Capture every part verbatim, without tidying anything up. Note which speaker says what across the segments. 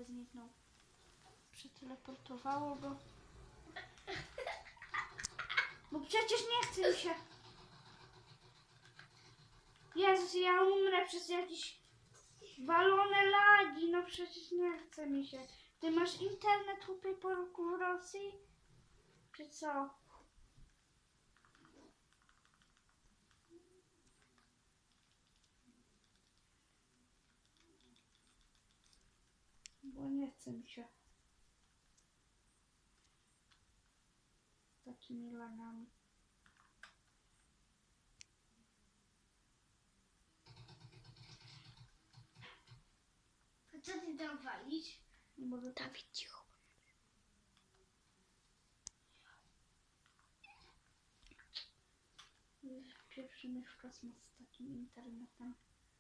Speaker 1: nagle zniknął. Przeteleportowało go. Bo przecież nie chce mi się. Jezus, ja umrę przez jakieś walone lagi. No przecież nie chce mi się. Ty masz internet u tej porku w Rosji? Czy co? Bo nie chce mi się. Z takimi lagami.
Speaker 2: To co ty tam walisz?
Speaker 1: Nie mogę tak.
Speaker 2: Dawid, cicho.
Speaker 1: Pieprzymy w kosmos z takim internetem.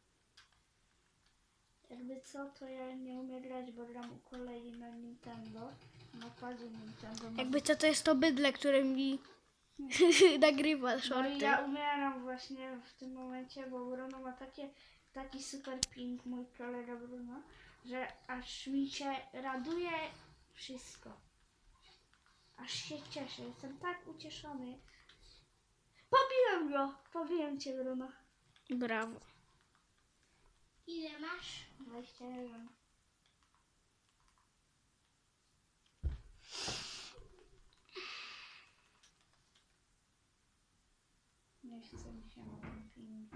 Speaker 1: Jakby co, to ja nie umiem grać, bo gram u kolei na Nintendo. Na padzie Nintendo.
Speaker 2: Jakby co, to jest to bydle, które mi nagrywa
Speaker 1: No i
Speaker 2: shorty.
Speaker 1: ja umieram właśnie w tym momencie, bo Bruno ma takie, taki super ping, mój kolega Bruno, że aż mi się raduje wszystko. Aż się cieszę, jestem tak ucieszony. Pobiłem go! Pobiłem cię, Bruno.
Speaker 2: Brawo.
Speaker 3: Ile masz?
Speaker 1: dwadzieścia jeden. Nie chce mi się na tym filmie.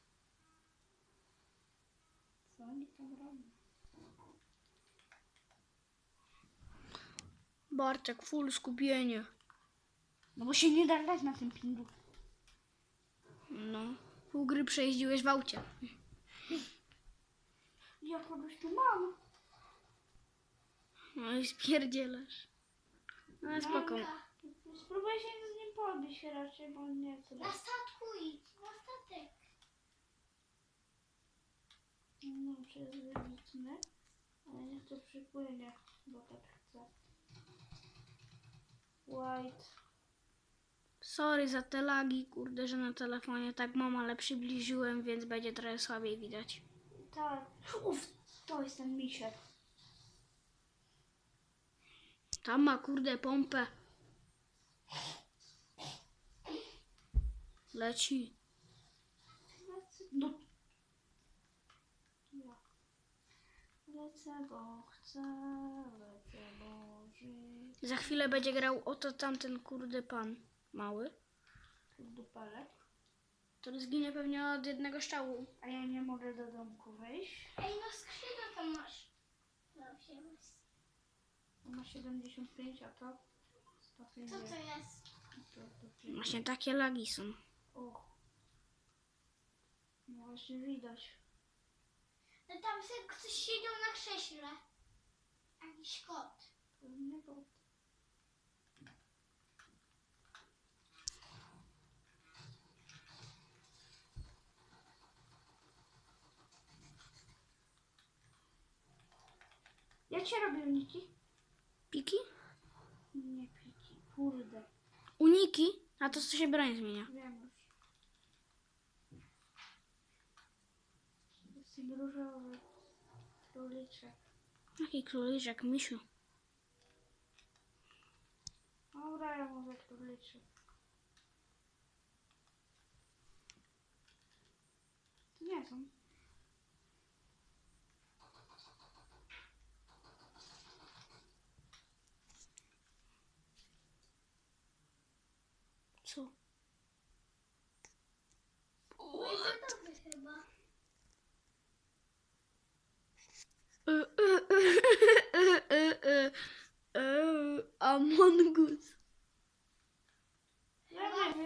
Speaker 1: Co oni tam robią?
Speaker 2: Bartek, full skupienie.
Speaker 1: No bo się nie da grać na tym pingu.
Speaker 2: No. Pół gry przejeździłeś w aucie.
Speaker 1: Ja kogoś tu mam.
Speaker 2: No i spierdzielasz. No ale spoko.
Speaker 3: Mamka,
Speaker 1: Spróbuję się z nim pobić raczej, bo nie chcę.
Speaker 3: na statku idź, na statek.
Speaker 1: No, przez wybitny. Ale niech to przypłynie, bo tak chcę. White.
Speaker 2: Sorry za te lagi, kurde, że na telefonie tak mam, ale przybliżyłem, więc będzie trochę słabiej widać.
Speaker 1: Tak. Uff, to jest ten misiek.
Speaker 2: Tam ma, kurde, pompę. Leci.
Speaker 1: No. Ja. Lecę, bo chcę, lecę, bo żyć.
Speaker 2: Za chwilę będzie grał oto tamten, kurde, pan mały.
Speaker 1: Dupelek.
Speaker 2: To zginie pewnie od jednego strzału.
Speaker 1: A ja nie mogę do domku wejść.
Speaker 3: Ej, no skrzydła tam masz. No, wziąłem.
Speaker 1: On ma siedemdziesiąt pięć, a to sto
Speaker 3: Co
Speaker 1: pięćdziesiąt.
Speaker 3: to jest?
Speaker 1: To, to
Speaker 2: Właśnie takie lagi są.
Speaker 1: O. No właśnie widać.
Speaker 3: No tam sobie ktoś siedział na krześle. Jakiś kot.
Speaker 1: Pewnie to. Jak się robi uniki?
Speaker 2: Piki?
Speaker 1: Nie piki, kurde.
Speaker 2: Uniki? A to co się broń zmienia.
Speaker 1: Wiem już. Jest ten różowy króliczek.
Speaker 2: Jaki króliczek, misiu.
Speaker 1: Dobra, ja mówię króliczek. To nie są.
Speaker 2: Co?
Speaker 3: Gotowy chyba.
Speaker 2: Among Us.